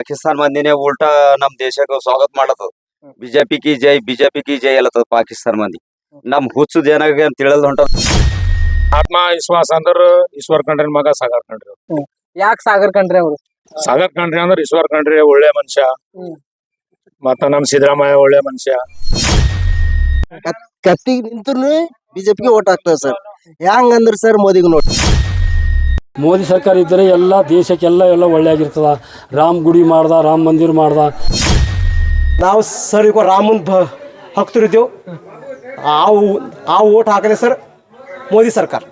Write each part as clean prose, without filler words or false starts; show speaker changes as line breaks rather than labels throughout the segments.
ಪಾಕಿಸ್ತಾನ ಮಂದಿನೇ ಉಲ್ಟಾ ನಮ್ ದೇಶಕ್ಕೆ ಸ್ವಾಗತ ಮಾಡತ್ತದ. ಬಿಜೆಪಿ ಕಿ ಜೈ ಅಲ್ಲತ್ತದ ಪಾಕಿಸ್ತಾನ ಮಂದಿ. ನಮ್ ಹುಚ್ಚುದ್ ಏನಾಗ ಅಂತ ತಿಳಿದ್ ಹೊಂಟದ.
ಆತ್ಮ ವಿಶ್ವಾಸ ಅಂದ್ರ ಈಶ್ವರ್ ಖಂಡ್ರೆ ಮಗ ಸಾಗರ್ ಖಂಡ್ರೆ.
ಯಾಕೆ ಸಾಗರ್ ಖಂಡ್ರೆ ಅವರು?
ಸಾಗರ್ ಖಂಡ್ರೆ ಅಂದ್ರ ಈಶ್ವರ್ ಖಂಡ್ರೆ ಒಳ್ಳೆ ಮನುಷ್ಯ, ಮತ್ತ ನಮ್ ಸಿದ್ದರಾಮಯ್ಯ ಒಳ್ಳೆ ಮನುಷ್ಯ.
ಕತ್ತಿಗೆ ನಿಂತ್ರು ಬಿಜೆಪಿಗೆ ಓಟ್ ಹಾಕ್ತೇವೆ ಸರ್. ಹೆಂಗಂದ್ರ ಸರ್ ಮೋದಿಗೆ ನೋಡಿ,
ಮೋದಿ ಸರ್ಕಾರ ಇದ್ದರೆ ಎಲ್ಲ ದೇಶಕ್ಕೆಲ್ಲ ಒಳ್ಳೆ ಆಗಿರ್ತದ. ರಾಮ್ ಗುಡಿ ಮಾಡ್ದ, ರಾಮ್ ಮಂದಿರ ಮಾಡ್ದ.
ನಾವು ಸರ್ ಈಗ ರಾಮನ್ ಭಕ್ತರಿದ್ದೇವು. ಆ ಓಟ್ ಹಾಕದೆ ಸರ್ ಮೋದಿ ಸರ್ಕಾರ.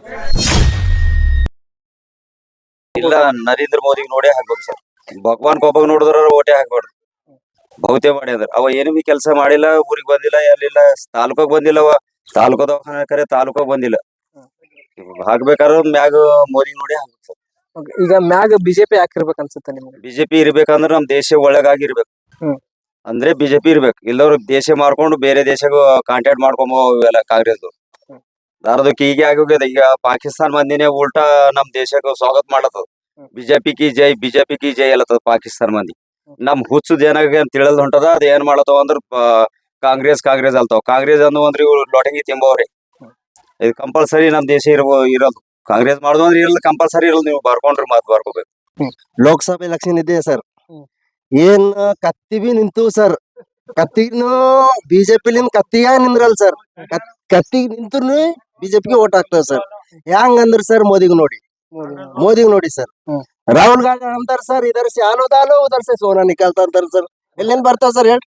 ಇಲ್ಲ, ನರೇಂದ್ರ ಮೋದಿಗೆ ನೋಡೇ ಹಾಕ್ಬೇಕು ಸರ್. ಭಗವಾನ್ ಕೊಬ್ಬಗ್ ನೋಡಿದ್ರ ಓಟೇ ಹಾಕ್ಬಾರ್ದು. ಬಹುತೇ ಮಾಡಿ ಅಂದ್ರ ಅವ ಏನು ಬಿ ಕೆಲಸ ಮಾಡಿಲ್ಲ, ಊರಿಗೆ ಬಂದಿಲ್ಲ, ಎಲ್ಲಿಲ್ಲ, ತಾಲೂಕಾಗ ಬಂದಿಲ್ಲ. ಅವ ತಾಲೂಕು ದವಾಖಾನೆ ಕರೆ ತಾಲೂಕಾಗ ಬಂದಿಲ್ಲ. ಹಾಕ್ಬೇಕಾದ್ರ ಮ್ಯಾಗ ಮೋದಿ ನೋಡಿ ಹಾಕ್ಬೇಕು ಸರ್.
ಈಗ ಮ್ಯಾಗ ಬಿಜೆಪಿ ಯಾಕಿರ್ಬೇಕು ಅನ್ಸುತ್ತೆ ನಿಮ್ಗೆ?
ಬಿಜೆಪಿ ಇರ್ಬೇಕಂದ್ರ ನಮ್ ದೇಶ ಒಳಗಾಗಿರ್ಬೇಕು. ಅಂದ್ರೆ ಬಿಜೆಪಿ ಇರ್ಬೇಕು. ಇಲ್ಲವ್ರು ದೇಶ ಮಾರ್ಕೊಂಡು ಬೇರೆ ದೇಶಗೂ ಕಾಂಟ್ಯಾಕ್ಟ್ ಮಾಡ್ಕೊಂಬೋ ಇವೆಲ್ಲ ಕಾಂಗ್ರೆಸ್ ದಾರದಕ್ಕೆ ಹೀಗೆ ಆಗೋಗ್ಯದ. ಈಗ ಪಾಕಿಸ್ತಾನ ಮಂದಿನೇ ಉಲ್ಟಾ ನಮ್ ದೇಶಕ್ಕೆ ಸ್ವಾಗತ ಮಾಡತ್ತದ. ಬಿಜೆಪಿ ಕಿ ಜೈ ಅಲ್ಲತ್ತದ ಪಾಕಿಸ್ತಾನ ಮಂದಿ. ನಮ್ ಹುಚ್ಚುದ್ ಏನಾಗ ಅಂತ ತಿಳಿದ್ ಹೊಂಟದ. ಅದ ಏನ್ ಮಾಡತ್ತವ ಅಂದ್ರ ಕಾಂಗ್ರೆಸ್ ಅಲ್ತಾವ. ಕಾಂಗ್ರೆಸ್ ಅಂದು ಅಂದ್ರ ಇವ್ರು ಲೊಟಂಗಿ ತಿಂಬವ್ರಿ. ಇದು ಕಂಪಲ್ಸರಿ ನಮ್ ದೇಶ ಇರೋದು. ಕಾಂಗ್ರೆಸ್ ಮಾಡುದು ಅಂದ್ರೆ ಇರಲ್ಲ, ಕಂಪಲ್ಸರಿ ಇರಲ್ಲ. ನೀವು ಬರ್ಕೊಂಡ್ರಿ ಮಾತು ಬರ್ಕೋಬೇಕು.
ಲೋಕಸಭೆ ಎಲೆಕ್ಷನ್ ಇದೆ ಸರ್. ಏನ್ ಕತ್ತಿ ಬಿ ನಿಂತು ಸರ್. ಕತ್ತಿನೂ ಬಿಜೆಪಿಲಿಂದ ಕತ್ತಿಯಾಗ ನಿಂದ್ರಲ್ ಸರ್. ಕತ್ತಿಗೆ ನಿಂತ್ರು ಬಿಜೆಪಿಗೆ ಓಟ್ ಹಾಕ್ತೇವೆ ಸರ್. ಹೆಂಗಂದ್ರ ಸರ್ ಮೋದಿಗೆ ನೋಡಿ ಸರ್. ರಾಹುಲ್ ಗಾಂಧಿ ಅಂತಾರ ಸರ್, ಇದರ್ ಸೆ ಆಲೋ ದಾಲೋ ಉದರ್ ಸೆ ಸೋನಾ ನಿಕಲ್ತಾ ಅಂತಾರ ಸರ್. ಎಲ್ಲೇನ್ ಬರ್ತಾವ ಸರ್ ಹೇಳಿ.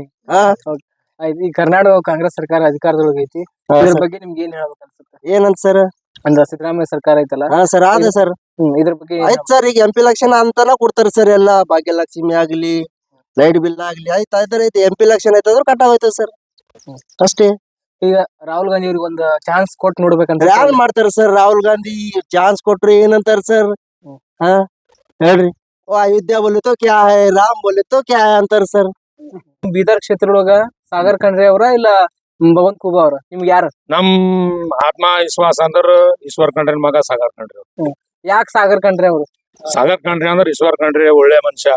ಈ ಕರ್ನಾಟಕ ಕಾಂಗ್ರೆಸ್ ಸರ್ಕಾರ ಅಧಿಕಾರದೊಳಗೆ ಐತಿ. ಇದ್ರ ಬಗ್ಗೆ ನಿಮ್ಗೆ ಏನ್ ಹೇಳ್ಬೇಕು ಅನ್ಸುತ್ತೆ?
ಏನಂತ ಸರ್?
ಅಂದ್ರ ಸಿದ್ದರಾಮಯ್ಯ ಸರ್ಕಾರ ಐತಲ್ಲ.
ಸರ್ ಅದೇ ಸರ್.
ಇದ್ರ ಬಗ್ಗೆ
ಆಯ್ತು ಸರ್. ಈಗ MP ಎಲೆಕ್ಷನ್ ಅಂತಾನ ಕೊಡ್ತಾರ ಸರ್. ಎಲ್ಲ ಭಾಗ್ಯಲಕ್ಷ್ಮಿ ಆಗ್ಲಿ, ಲೈಟ್ ಬಿಲ್ ಆಗ್ಲಿ ಆಯ್ತು ಐತಿ. MP ಎಲೆಕ್ಷನ್ ಆಯ್ತಂದ್ರ ಕಟ್ಟಾಗೋಯ್ತದ ಸರ್, ಅಷ್ಟೇ.
ಈಗ ರಾಹುಲ್ ಗಾಂಧಿ ಅವ್ರಿಗೆ ಒಂದು ಚಾನ್ಸ್ ಕೊಟ್ಟು ನೋಡ್ಬೇಕಂತ
ಯಾರು ಮಾಡ್ತಾರ ಸರ್? ರಾಹುಲ್ ಗಾಂಧಿ ಚಾನ್ಸ್ ಕೊಟ್ರಿ ಏನಂತಾರ ಸರ್? ಹೇಳ್ರಿ. ಅಯೋಧ್ಯ ಬೋಲೆ ತೋ ಕ್ಯಾ ಹೈ, ರಾಮ್ ಬೋಲೆ ತೋ ಕ್ಯಾ ಹೈ ಅಂತಾರ ಸರ್.
ಬೀದರ್ ಕ್ಷೇತ್ರದೊಳಗ ಸಾಗರ್ ಖಂಡ್ರೆ ಅವರ ಇಲ್ಲ ಭಗವಂತ ಖೂಬಾ ಅವ್ರ? ನಿಮ್ಗೆ ಯಾರು?
ನಮ್ ಆತ್ಮ ವಿಶ್ವಾಸ ಅಂದ್ರ ಈಶ್ವರ್ ಖಂಡ್ರೆ ಮಗ ಸಾಗರ್ ಖಂಡ್ರೆ.
ಯಾಕೆ ಸಾಗರ್ ಖಂಡ್ರೆ ಅವರು?
ಸಾಗರ್ ಖಂಡ್ರೆ ಅಂದ್ರ ಈಶ್ವರ್ ಖಂಡ್ರೆ ಒಳ್ಳೆ ಮನುಷ್ಯ,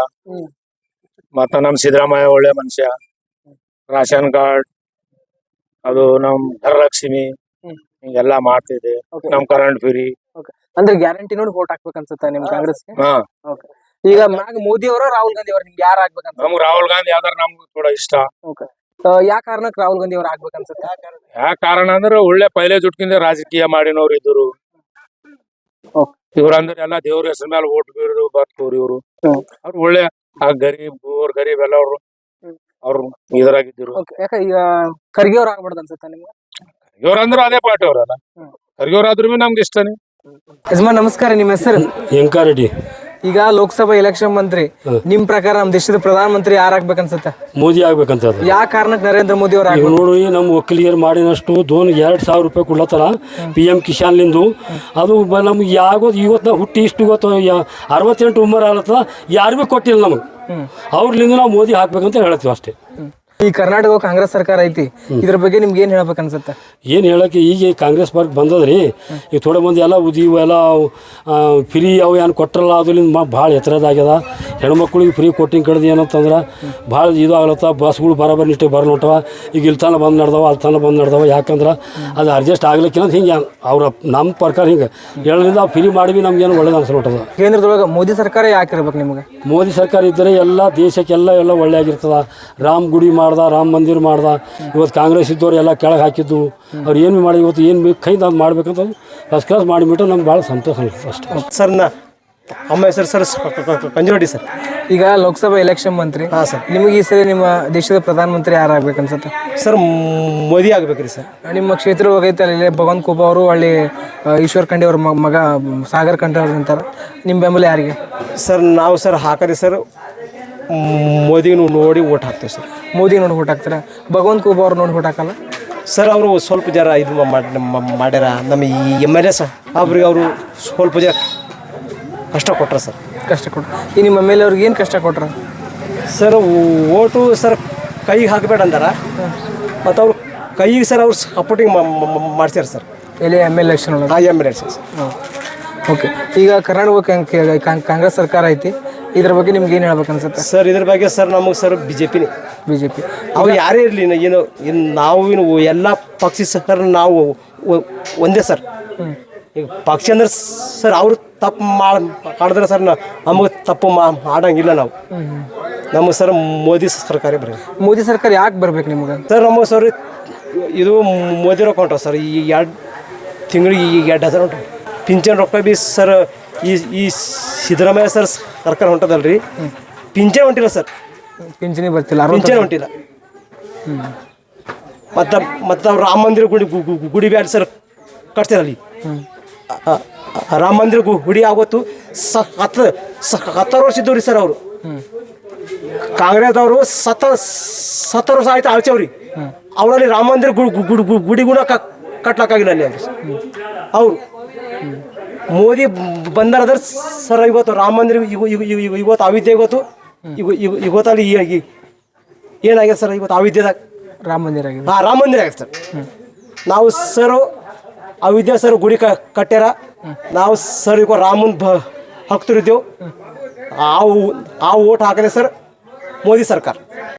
ಮತ್ತ ನಮ್ ಸಿದ್ದರಾಮಯ್ಯ ಒಳ್ಳೆ ಮನುಷ್ಯ. ರೇಷನ್ ಕಾರ್ಡ್ ಅದು ನಮ್ ಧನಲಕ್ಷ್ಮಿ ಹಿಂಗೆಲ್ಲಾ ಮಾಡ್ತಿದೆ. ನಮ್ ಕರೆಂಟ್ ಫ್ರೀ
ಅಂದ್ರೆ ಗ್ಯಾರಂಟಿ ನೋಡಿ ವೋಟ್ ಹಾಕ್ಬೇಕು ಅನ್ಸುತ್ತೆ ನಿಮ್ ಕಾಂಗ್ರೆಸ್ಗೆ? ಈಗ ಮ್ಯಾಗ ಮೋದಿ ಅವರ ರಾಹುಲ್ ಗಾಂಧಿ ಅವ್ರ ನಿಮ್ಗೆ ಯಾರು ಆಗ್ಬೇಕಂತ?
ನಮ್ಗ್ ರಾಹುಲ್ ಗಾಂಧಿ ಆದ್ರ ನಮ್ಗೆ ಕೂಡ ಇಷ್ಟ.
ಯಾ ಕಾರಣಕ್ಕೆ ರಾಹುಲ್ ಗಾಂಧಿ ಅವ್ರ ಆಗ್ಬೇಕನ್ಸುತ್ತೆ?
ಯಾ ಕಾರಣ ಅಂದ್ರೆ ಒಳ್ಳೆ ಪೈಲೆ ಜುಟ್ಕಿಂದ ರಾಜಕೀಯ ಮಾಡಿನವ್ರು ಇದ್ರು. ಇವ್ರಂದ್ರೆ ಎಲ್ಲಾ ದೇವ್ರ ಹೆಸರ ಮೇಲೆ ಓಟ್ ಬೀರು ಬರ್ತವ್ರಿ. ಇವ್ರು ಅವ್ರು ಒಳ್ಳೆ ಗರೀಬ್ ಎಲ್ಲ ಅವ್ರು ಇದ್ರಾಗಿದ್ರು.
ಯಾಕ ಈಗ ಖರ್ಗೆ ಅವ್ರ ಆಗ್ಬಾರ್ದು ಅನ್ಸುತ್ತೆ ನಿಮ್ಗೆ?
ಇವ್ರಂದ್ರೆ ಅದೇ ಪಾರ್ಟಿ ಅವ್ರಲ್ಲ. ಖರ್ಗೆ ಅವ್ರಾದ್ರೂ ನಮ್ಗೆ ಇಷ್ಟನೇ.
ಯಜಮಾನ್ ನಮಸ್ಕಾರ, ನಿಮ್ಮ ಹೆಸರು?
ಎಂಕಾರೆಡ್ಡಿ.
ಈಗ ಲೋಕಸಭಾ ಎಲೆಕ್ಷನ್ ಮಂತ್ರಿ, ನಿಮ್ ಪ್ರಕಾರ ನಮ್ ದೇಶದ ಪ್ರಧಾನ ಮಂತ್ರಿ ಯಾರು ಆಗ್ಬೇಕನ್ಸುತ್ತೆ?
ಮೋದಿ ಆಗ್ಬೇಕಂತ.
ಯಾವ ಕಾರಣಕ್ಕೆ ನರೇಂದ್ರ ಮೋದಿ ಅವ್ರ
ನೋಡಿ, ನಮ್ಮ ಒಕ್ಕಲಿಗರು ಮಾಡಿನಷ್ಟು 2,000 ರೂಪಾಯಿ ಕೊಡ್ಲತ್ತಾರ PM ಕಿಸಾನ್ಲಿಂದು. ಅದು ನಮ್ಗೆ ಯಾಗೋದು ಇವತ್ತು ಹುಟ್ಟಿ ಇಷ್ಟು ಗೊತ್ತು 68 ಉಮರ್ ಆಗತ್ತದ, ಯಾರು ಭೀ ಕೊಟ್ಟಿಲ್ಲ ನಮಗೆ. ಅವ್ರಲಿಂದ ನಾವು ಮೋದಿ ಹಾಕ್ಬೇಕಂತ ಹೇಳ್ತೀವಿ ಅಷ್ಟೇ.
ಈ ಕರ್ನಾಟಕ ಕಾಂಗ್ರೆಸ್ ಸರ್ಕಾರ ಐತಿ, ಇದ್ರ ಬಗ್ಗೆ ನಿಮ್ಗೆ ಏನ್ ಹೇಳ್ಬೇಕು ಅನ್ಸುತ್ತೆ?
ಏನು ಹೇಳಕ್ಕೆ, ಈಗ ಕಾಂಗ್ರೆಸ್ ಪಾರ್ಟಿ ಬಂದದ್ರಿ. ಈಗ ಥೋಡೆ ಮಂದಿ ಎಲ್ಲ ಎಲ್ಲ ಫ್ರೀ ಅವು ಏನು ಕೊಟ್ಟರಲ್ಲ, ಅದರಿಂದ ಭಾಳ ಎತ್ತರದಾಗ್ಯದ. ಹೆಣ್ಮಕ್ಳಿಗೆ ಫ್ರೀ ಕೊಟ್ಟಿಂಗ್ ಕಡ್ದು ಏನಂತಂದ್ರೆ ಭಾಳ ಇದು ಆಗ್ಲತ್ತ. ಬಸ್ಗಳು ಬರೋಬ್ಬರಿ ನಿಷ್ಠೆ ಬರ್ಲೋಟವ. ಈಗ ಇಲ್ಲಿ ತನಕ ಬಂದು ನಡೆದವ, ಅಲ್ಲಿ ತನಕ ಬಂದು ನಡೆದವ. ಯಾಕಂದ್ರೆ ಅದು ಅಡ್ಜಸ್ಟ್ ಆಗ್ಲಿಕ್ಕಿಲ್ಲ ಹಿಂಗೆ ಅವ್ರ ನಮ್ಮ ಪ್ರಕಾರ ಹಿಂಗೆ ಹೇಳೋದ್ರಿಂದ ಫ್ರೀ ಮಾಡಿ ನಮ್ಗೇನು ಒಳ್ಳೇದು ಅನ್ಸಲ್ಟದ.
ಕೇಂದ್ರದೊಳಗೆ ಮೋದಿ ಸರ್ಕಾರ ಯಾಕೆ ಇರ್ಬೇಕು ನಿಮ್ಗೆ?
ಮೋದಿ ಸರ್ಕಾರ ಇದ್ದರೆ ಎಲ್ಲ ದೇಶಕ್ಕೆಲ್ಲ ಒಳ್ಳೆ ಆಗಿರ್ತದ. ರಾಮ್ ಗುಡಿ ಮಾಡ್ದ, ರಾಮ್ ಮಂದಿರ ಮಾಡ್ದ. ಇವತ್ತು ಕಾಂಗ್ರೆಸ್ ಇದ್ದವ್ರು ಎಲ್ಲ ಕೆಳಗೆ ಹಾಕಿದ್ದು. ಅವ್ರು ಏನು ಮಾಡಿ ಇವತ್ತು ಏನು ಬೇಕು ಕೈಯಿಂದ ಅದು ಮಾಡ್ಬೇಕಂತ ಫಸ್ಟ್ ಕ್ಲಾಸ್ ಮಾಡಿಬಿಟ್ಟು ನಮ್ಗೆ ಭಾಳ ಸಂತೋಷ ಅನಿಸ್ತದೆ ಅಷ್ಟೇ
ಸರ್. ಅಮ್ಮ ಹೆಸರು ಸರ್ ಕಂಜುರೆಡ್ಡಿ ಸರ್.
ಈಗ ಲೋಕಸಭಾ ಎಲೆಕ್ಷನ್ ಮಂತ್ರಿ, ನಿಮಗೆ ಈ ಸರಿ ನಿಮ್ಮ ದೇಶದ ಪ್ರಧಾನ ಮಂತ್ರಿ ಯಾರು ಆಗ್ಬೇಕು ಅನ್ಸುತ್ತೆ?
ಸರ್ ಮೋದಿ ಆಗ್ಬೇಕ್ರಿ ಸರ್.
ನಿಮ್ಮ ಕ್ಷೇತ್ರ ಹೋಗೈತೆ ಅಲ್ಲಿ ಭಗವಂತ ಖೂಬಾ ಅವರು, ಅಲ್ಲಿ ಈಶ್ವರ್ ಖಂಡ್ರೆ ಅವ್ರ ಮಗ ಸಾಗರ್ ಖಂಡ್ರೆ ಅವ್ರು ಅಂತಾರೆ. ನಿಮ್ಮ ಬೆಂಬಲ ಯಾರಿಗೆ?
ಸರ್ ನಾವು ಸರ್ ಹಾಕರಿ ಸರ್ ಮೋದಿ ನೋಡಿ ಓಟ್ ಹಾಕ್ತೇವೆ ಸರ್.
ಮೋದಿ ನೋಡಿ ಓಟ್ ಹಾಕ್ತಾರೆ. ಭಗವಂತ ಖೂಬಾ ಅವ್ರು ನೋಡಿ ಓಟ್ ಹಾಕಲ್ಲ
ಸರ್. ಅವರು ಸ್ವಲ್ಪ ಜರ ಇದು ಮಾಡ್ಯಾರ ನಮ್ಮ ಈ MLA ಸರ್. ಅವ್ರಿಗೆ ಅವರು ಸ್ವಲ್ಪ ಜರ ಕಷ್ಟ ಕೊಟ್ರ ಸರ್.
ಕಷ್ಟ ಕೊಟ್ರು. ಈ ನಿಮ್ಮ MLA ಅವ್ರಿಗೆ ಏನು ಕಷ್ಟ ಕೊಟ್ರ
ಸರ್? ಓಟು ಸರ್ ಕೈಗೆ ಹಾಕಬೇಡ ಅಂದಾರ. ಮತ್ತು ಅವ್ರು ಕೈಗೆ ಸರ್ ಅವ್ರು ಸಪೋರ್ಟಿಂಗ್ ಮಾಡ್ಸ್ಯಾರ ಸರ್.
ಎಲ್ಲಿ MLA ಎಲೆಕ್ಷನ್ ಒಳಗೆ?
MLA sir.
ಓಕೆ. ಈಗ ಕರ್ನಾಟಕ ಕಾಂಗ್ರೆಸ್ ಸರ್ಕಾರ ಐತಿ, ಇದ್ರ ಬಗ್ಗೆ ನಿಮ್ಗೆ ಏನು ಹೇಳ್ಬೇಕು ಅನ್ಸುತ್ತೆ?
ಸರ್ ಇದ್ರ ಬಗ್ಗೆ ಸರ್ ನಮಗೆ ಸರ್ ಬಿಜೆಪಿನೇ
ಬಿಜೆಪಿ
ಅವ್ರು ಯಾರೇ ಇರಲಿ ನಾವು ಎಲ್ಲ ಪಕ್ಷ ಸರ್ ನಾವು ಒಂದೇ ಸರ್. ಈಗ ಪಕ್ಷ ಅಂದ್ರೆ ಸರ್ ಅವರು ತಪ್ಪು ಮಾಡಿದ್ರೆ ಸರ್ ನಮಗೆ ತಪ್ಪು ಮಾಡಂಗಿಲ್ಲ ನಾವು. ನಮಗೆ ಸರ್ ಮೋದಿ ಸರ್ಕಾರ ಬರೀ
ಮೋದಿ ಸರ್ಕಾರ ಯಾಕೆ ಬರ್ಬೇಕು ನಿಮ್ಗೆ?
ಸರ್ ನಮಗೆ ಸರ್ ಇದು ಮೋದಿ ರೊಕ್ಕ ಹೊಂಟವು ಸರ್. ಈ 2 ತಿಂಗಳಿಗೆ 2,000 ಹೊಂಟವು. ಪಿಂಚಣಿ ರೊಕ್ಕ ಬಿ ಸರ್ ಈ ಸಿದ್ದರಾಮಯ್ಯ ಸರ್ ಸರ್ಕಾರ ಹೊಂಟದಲ್ರಿ, ಪಿಂಚಣಿ ಹೊಂಟಿಲ್ಲ ಸರ್.
ಪಿಂಚಣಿ ಬರ್ತಿಲ್ಲ,
ಪಿಂಚಣಿ ಹೊಂಟಿಲ್ಲ. ಮತ್ತು ರಾಮ ಮಂದಿರ ಗುಡಿ ಬ್ಯಾಡ ಸರ್ ಕಟ್ತಿರಲ್ಲಿ. ರಾಮ ಮಂದಿರ ಗುಡಿ ಆಗೋತ್ತು 17 ವರ್ಷ ಇದ್ದವ್ರಿ ಸರ್. ಅವರು ಕಾಂಗ್ರೆಸ್ದವರು 70 ವರ್ಷ ಆಯ್ತು ಆಳ್ಚವ್ರಿ. ಅವರಲ್ಲಿ ರಾಮ ಮಂದಿರ ಗುಡಿ ಗುಣ ಕಟ್ಲಕ್ಕಾಗಿಲ್ಲ ಅಲ್ಲಿ ಅವರು. ಮೋದಿ ಬಂದಾರ ಸರ್ ಇವತ್ತು ರಾಮ ಮಂದಿರ ಇವತ್ತು ಅವಿದ್ಯೆ ಇವತ್ತು ಇವತ್ತಲ್ಲಿ ಏನಾಗಿದೆ ಸರ್ ಇವತ್ತು ಅವಿದ್ಯೆದಾಗ
ರಾಮ ಮಂದಿರ ಆಗಿದೆ.
ಹಾಂ, ರಾಮ ಮಂದಿರ ಆಗಿದೆ ಸರ್. ನಾವು ಸರ್ ಅವಿದ್ಯೆ ಸರ್ ಗುಡಿ ಕಟ್ಟ್ಯಾರ. ನಾವು ಸರ್ ಈಗ ರಾಮನ್ ಭಕ್ತರಿದ್ದೆವು. ಆ ಓಟ್ ಹಾಕಿದೆ ಸರ್ ಮೋದಿ ಸರ್ಕಾರ.